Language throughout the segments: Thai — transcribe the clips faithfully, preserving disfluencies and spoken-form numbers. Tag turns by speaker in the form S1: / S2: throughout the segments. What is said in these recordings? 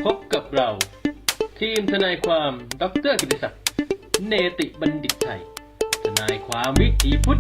S1: พบกับเราทีมทนายความดร.กิติศักดิ์เนติบัณฑิตไทยทนายความวิถีพุทธ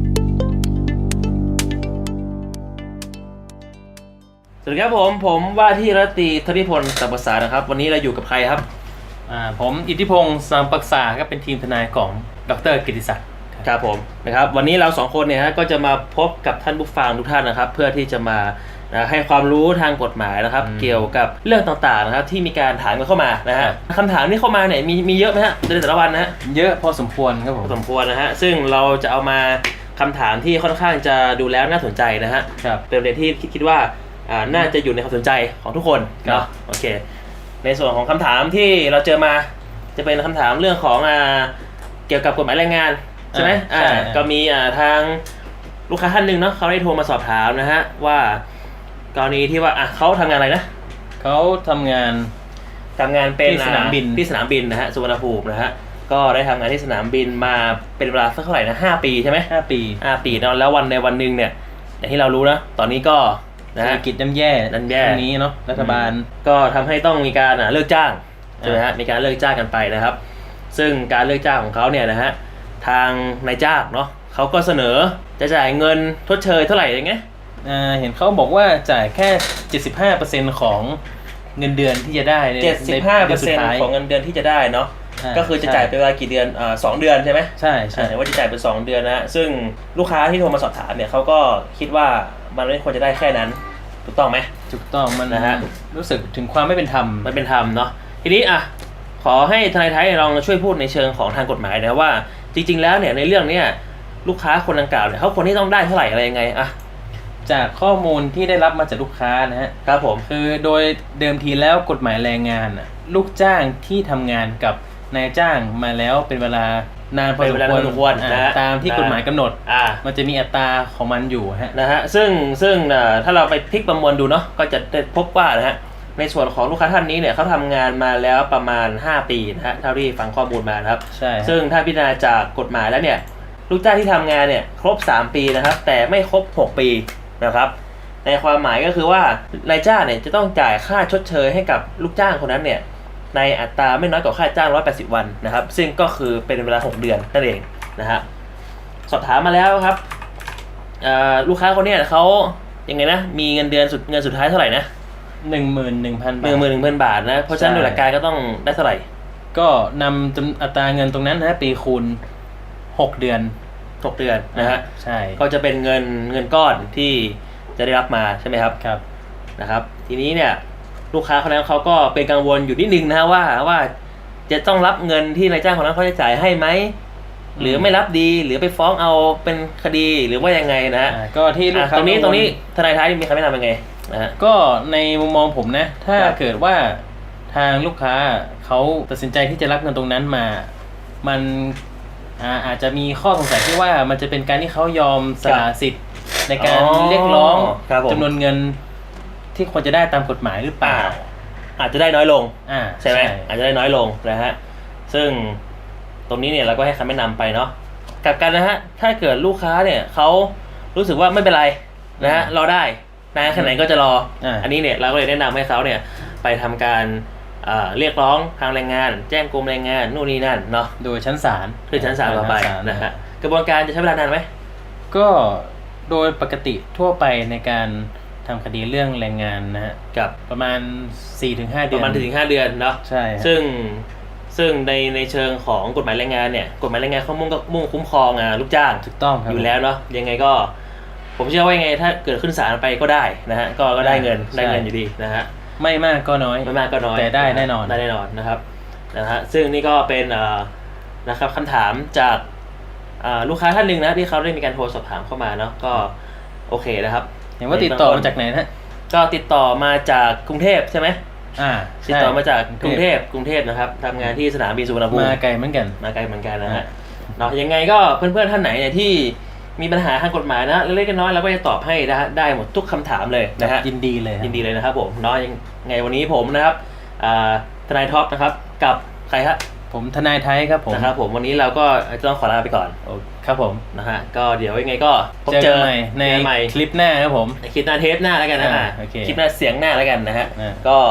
S2: สวัสดีครับผมผมว่าที่รัตตีธนิพลสัมปสานะครับวันนี้เราอยู่กับใครครับ
S1: อ่าผมอิทธิพงศ์สัมปษาครับเป็นทีมทนายของดร.กิติศักดิ์
S2: ครับผมนะครับวันนี้เราสองคนเนี่ยฮะก็จะมาพบกับท่านผู้ฟังทุกท่านนะครับเพื่อที่จะมานะให้ความรู้ทางกฎหมายนะครับเกี่ยวกับเรื่องต่างๆนะครับที่มีการถามกันเข้ามานะฮะคำถามที่เข้ามาเนี่ยมีมีเยอะไหมฮะในแต่ละวันนะฮะ
S1: เยอะพอสมควรครับผม
S2: พอสมควรนะฮะซึ่งเราจะเอามาคำถามที่ค่อนข้างจะดูแล้วน่าสนใจนะฮะเป็นประเด็นที่คิดว่าอ่าน่าจะอยู่ในความสนใจของทุกคนเนาะโอเคในส่วนของคำถามที่เราเจอมาจะเป็นคำถามเรื่องของอ่าเกี่ยวกับกฎหมายแรงงานใช่ไหมอ่าก็มีอ่าทางลูกค้าท่านหนึ่งเนาะเขาได้โทรมาสอบถามนะฮะว่ากรณีที่ว่าอ่ะเขาทำงานอะไรนะ
S1: เขาทำงาน
S2: ทำงานเป็น
S1: ที่สนามบิน
S2: ที่สนามบินนะฮะสุวรรณภูมินะฮะก็ได้ทำงานที่สนามบินมาเป็นเวลาสักเท่าไหร่นะห้าปีใช่ไหม
S1: ห้าปี
S2: ห้าปีเนาะแล้ววันในวันหนึ่งเนี่ยอย่างที่เรารู้นะตอนนี้ก็
S1: เศรษฐกิจย่ำแย่
S2: ย่ำแย่
S1: ตรงนี้เนาะรัฐบาล
S2: ก็ทำให้ต้องมีการเลิกจ้างใช่ไหมฮะมีการเลิกจ้างกันไปนะครับซึ่งการเลิกจ้างของเขาเนี่ยนะฮะทางนายจ้างเนาะเขาก็เสนอจะจ่ายเงินทดเชยเท่าไหร่อย่างเงี้ย
S1: อ่าเห็นเขาบอกว่าจ่ายแค่ เจ็ดสิบห้าเปอร์เซ็นต์ ของเงินเดือนที่จะได้ใน
S2: เจ็ดสิบห้าเปอร์เซ็นต์ ของเงินเดือนที่จะได้เนาะก็คือจะจ่ายเป็นเวลากี่เดือนอ่าสองเดือนใช่ไหม
S1: ใช่ใช่
S2: ว่าจะจ่ายเป็นสองเดือนนะซึ่งลูกค้าที่โทรมาสอบถามเนี่ยเขาก็คิดว่ามันไม่ควรจะได้แค่นั้นถูกต้องไหม
S1: ถูกต้องมัน
S2: นะฮะ
S1: รู้สึกถึงความไม่เป็นธรรม
S2: ไม่เป็นธรรมเนาะทีนี้อ่ะขอให้ทนายไทยลองช่วยพูดในเชิงของทางกฎหมายนะว่าจริงๆแล้วเนี่ยในเรื่องเนี้ยลูกค้าคนดังกล่าวเนี่ยเขาควรที่ต้องได้เท่าไหร่อะไรยังไงอ่ะ
S1: จากข้อมูลที่ได้รับมาจากลูกค้านะฮะ
S2: ครับผม
S1: คือโดยเดิมทีแล้วกฎหมายแรงงานอ่ะลูกจ้างที่ทำงานกับนายจ้างมาแล้วเป็นเวลานานพอสมควรนะตามที่กฎหมายกำหนดมันจะมีอัตราของมันอยู่ฮะ
S2: นะฮะซึ่งซึ่งถ้าเราไปพลิกประมวลดูเนาะก็จะได้พบว่านะฮะในส่วนของลูกค้าท่านนี้เนี่ยเขาทำงานมาแล้วประมาณห้าปีนะฮะเท่าที่ฟังข้อมูลมานะครับ
S1: ใช่
S2: ซึ่งถ้าพิจารณาจากกฎหมายแล้วเนี่ยลูกจ้างที่ทำงานเนี่ยครบสามปีนะครับแต่ไม่ครบหกปีนะครับในความหมายก็คือว่านายจ้างเนี่ยจะต้องจ่ายค่าชดเชยให้กับลูกจ้างคนนั้นเนี่ยในอัตราไม่น้อยกว่าค่าจ้างหนึ่งร้อยแปดสิบวันนะครับซึ่งก็คือเป็นเวลาหกเดือนนั่นเองนะฮะสอบถามมาแล้วครับลูกค้าคนนี้เขายังไงนะมีเงินเดือนสุดเงินสุดท้ายเท่าไหร่นะ
S1: หนึ่งหมื่นหนึ่งพันบาท
S2: หนึ่งหมื่นหนึ่งพันบาทนะเพราะฉะนั้นโดยหลักการก็ต้องได้เท่าไหร่
S1: ก็นำจำอัตราเงินตรงนั้นนะปีคูณหกเดือน
S2: หกเดือนนะฮะ
S1: ใช่
S2: ก็จะเป็นเงินเงินก้อนที่จะได้รับมาใช่ไหมครับ
S1: ครับ
S2: นะครับทีนี้เนี่ยลูกค้าคนนั้นเขาก็เป็นกังวลอยู่นิดนึงนะว่าว่าจะต้องรับเงินที่นายจ้างคนนั้นเขาจะจ่ายให้ไหมหรือไม่รับดีหรือไปฟ้องเอาเป็นคดีหรือว่ายังไงนะฮะ
S1: ก็ที่ลูกค้า
S2: ตรงนี้ตรงนี้ทนายท้ายมีคำแนะนำยังไงนะฮะ
S1: ก็ในมุมมองผมนะถ้าเกิดว่าทางลูกค้าเขาตัดสินใจที่จะรับเงินตรงนั้นมามันอาจจะมีข้อสงสัยที่ว่ามันจะเป็นการที่เขายอมสละสิทธิ์ในการเรียกร้องจำนวนเงินที่ควรจะได้ตามกฎหมายหรือเปล่า
S2: อาจจะได้น้อยลงใช่ไหม
S1: ใช่
S2: อาจจะได้น้อยลงนะฮะซึ่งตรงนี้เนี่ยเราก็ให้คำแนะนำไปเนาะกลับกันนะฮะถ้าเกิดลูกค้าเนี่ยเขารู้สึกว่าไม่เป็นไรนะฮะรอได้นานแค่ไหนก็จะรออันนี้เนี่ยเราก็เลยแนะนำให้เขาเนี่ยไปทำการเรียกร้องทางแรงงานแจ้งกรมแรงงานนู่นนี่นั่นเนาะ
S1: โดยชั้นศาล
S2: คือชั้นศาลต่อไปนะฮะกระบวนการจะใช้เวลานานไหม
S1: ก็โดยปกติทั่วไปในการทำคดีเรื่องแรงงานนะฮะ
S2: กับ
S1: ประมาณ สี่ถึงห้า เดือน
S2: ประมาณ สี่ถึงห้า เดือนเนาะ
S1: ใช่
S2: ซึ่งซึ่งในในเชิงของกฎหมายแรงงานเนี่ยกฎหมายแรงงานเขามุ่งก็มุ่งคุ้มครองอ่ะลูกจ้าง
S1: ถูกต้องครับ
S2: อยู่แล้วเนาะยังไงก็ผมเชื่อว่ายังไงถ้าเกิดขึ้นศาลไปก็ได้นะฮะก็ก็ได้เงินได้เงินอยู่ดีนะฮะ
S1: ไม่มากก็น้อย
S2: ไม่มากก็น้อย
S1: แต่ได้แน่นอน
S2: ได้แน่นอนนะครับนะฮะซึ่งนี่ก็เป็นนะครับคำถามจากลูกค้าท่านหนึ่งนะที่เขาได้มีการโทรสอบถามเข้ามาเนาะก็โอเคนะครับ
S1: เห็นว่าติดต่อมาจากไหนนะ
S2: ก็ติดต่อมาจากกรุงเทพใช่ไหม
S1: อ่า
S2: ติดต่อมาจากกรุงเทพกรุงเทพนะครับทำงานที่สนามบินสุวรรณภูมิ
S1: มาไกลเหมือนกัน
S2: มาไกลเหมือนกันนะฮะเนาะยังไงก็เพื่อนๆท่านไหนเนี่ยที่มีปัญหาทางกฎหมายนะเล็กๆน้อยๆเราก็จะตอบให้นะฮะได้หมดทุกคำถามเลยนะฮะ
S1: ยินดีเลย
S2: ยินดีเลยนะครับผมเนาะยังไงวันนี้ผมนะครับทนายท็อปนะครับกับใครครับ
S1: ผมทนายไทยครับผม
S2: นะครับผมวันนี้เราก็จะต้องขอลาไปก่อน
S1: ครับผม
S2: นะฮะก็เดี๋ยวยังไงก็
S1: พบเจอใหม่ในคลิปหน้าครับผม
S2: คลิปหน้าเทปหน้าแล้วกันนะคลิปหน้าเสียงหน้าแล้วกันนะฮะก็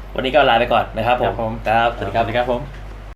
S2: วันนี้ก็ลาไปก่อนนะครับผม
S1: ครับผม
S2: ครับสวัสดีครับ
S1: สวัสดีครับผม